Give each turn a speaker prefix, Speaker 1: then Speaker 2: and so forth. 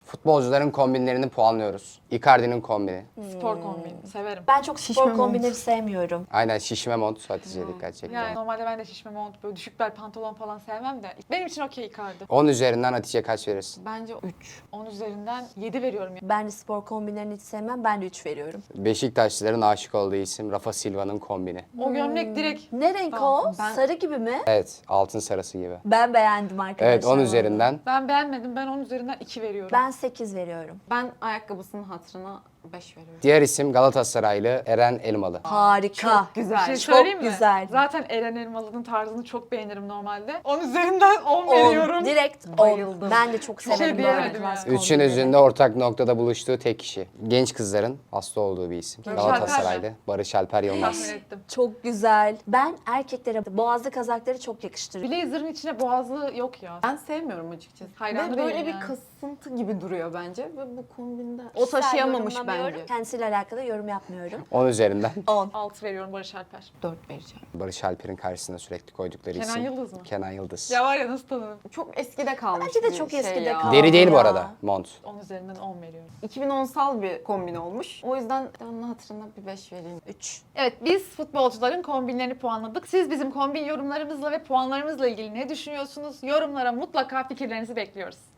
Speaker 1: Futbolcuların kombinlerini puanlıyoruz. Icardi'nin kombini.
Speaker 2: Spor kombini. Severim.
Speaker 3: Ben çok
Speaker 4: Şişme
Speaker 3: spor
Speaker 4: mont.
Speaker 3: kombinleri sevmiyorum.
Speaker 1: Aynen şişme mont Hatice'ye dikkat çekti.
Speaker 2: Yani normalde ben de şişme mont, böyle düşük bel pantolon falan sevmem de. Benim için okey Icardi.
Speaker 1: 10 üzerinden Hatice kaç verirsin?
Speaker 4: Bence 3.
Speaker 2: 10 üzerinden 7 veriyorum ya.
Speaker 3: Ben de spor kombinlerini hiç sevmem. Ben de 3 veriyorum.
Speaker 1: Beşiktaşlıların aşık olduğu isim Rafa Silva'nın kombini.
Speaker 2: O gömlek direkt
Speaker 3: Ne renk
Speaker 2: Tamam,
Speaker 3: o?
Speaker 4: ben-
Speaker 3: Sarı gibi mi?
Speaker 1: Evet, altın sarısı gibi.
Speaker 3: Ben beğendim arkadaşlar.
Speaker 1: Evet, 10 üzerinden.
Speaker 2: ben beğenmedim. Ben 10 üzerinden 2 veriyorum.
Speaker 3: Ben 8 veriyorum.
Speaker 4: Ben ayakkabısının hatırına 5 veriyorum.
Speaker 1: Diğer isim Galatasaraylı Eren Elmalı.
Speaker 3: Harika.
Speaker 2: Bir
Speaker 4: Güzel.
Speaker 2: şey
Speaker 3: Çok
Speaker 2: söyleyeyim mi?
Speaker 3: güzel.
Speaker 2: Zaten Eren Elmalı'nın tarzını çok beğenirim normalde. 10 üzerinden 10
Speaker 3: 10.
Speaker 2: veriyorum.
Speaker 3: Direkt 10.
Speaker 4: Bayıldım.
Speaker 3: Ben de çok
Speaker 2: şey
Speaker 3: severim
Speaker 2: diyemedim
Speaker 3: böyle tarz
Speaker 2: yani.
Speaker 1: Üçünüzün de ortak noktada buluştuğu tek kişi. Genç kızların hasta olduğu bir isim.
Speaker 2: Barış
Speaker 1: Galatasaraylı
Speaker 2: Alper
Speaker 1: Barış Alper Yılmaz.
Speaker 2: Tahmin ettim.
Speaker 3: Çok güzel. Ben erkeklere boğazlı kazakları çok yakıştırıyorum.
Speaker 2: Blazer'ın içine boğazlı yok ya.
Speaker 4: Ben sevmiyorum açıkçası.
Speaker 2: Hayran
Speaker 4: Ve böyle
Speaker 2: değilim
Speaker 4: bir
Speaker 2: yani.
Speaker 4: kasıntı gibi duruyor bence ve bu kombinde o
Speaker 3: Kişisel
Speaker 4: taşıyamamış
Speaker 3: yorumlamıyorum.
Speaker 4: bence.
Speaker 3: Kendisiyle alakalı yorum yapmıyorum.
Speaker 1: 10 üzerinden
Speaker 3: 10.
Speaker 2: 6 veriyorum Barış Alper.
Speaker 4: 4 vereceğim.
Speaker 1: Barış Alper'in karşısına sürekli koydukları
Speaker 2: Kenan
Speaker 1: isim.
Speaker 2: Yıldız mı?
Speaker 1: Kenan Yıldız.
Speaker 2: Ya var ya nasıl tanıdım?
Speaker 4: Çok eskide kalmış
Speaker 3: Bence de
Speaker 4: bir
Speaker 3: çok
Speaker 4: şey
Speaker 3: eskide
Speaker 4: ya.
Speaker 3: kaldı.
Speaker 1: Deri değil bu
Speaker 3: Ya.
Speaker 1: arada mont.
Speaker 2: 10 üzerinden 10 veriyorum.
Speaker 4: 2010'sal bir kombin olmuş. O yüzden onun hatırına bir 5 vereyim.
Speaker 3: 3.
Speaker 2: Evet, biz futbolcuların kombinlerini puanladık. Siz bizim kombin yorumlarımızla ve puanlarımızla ilgili ne düşünüyorsunuz? Yorumlara mutlaka fikirlerinizi bekliyoruz.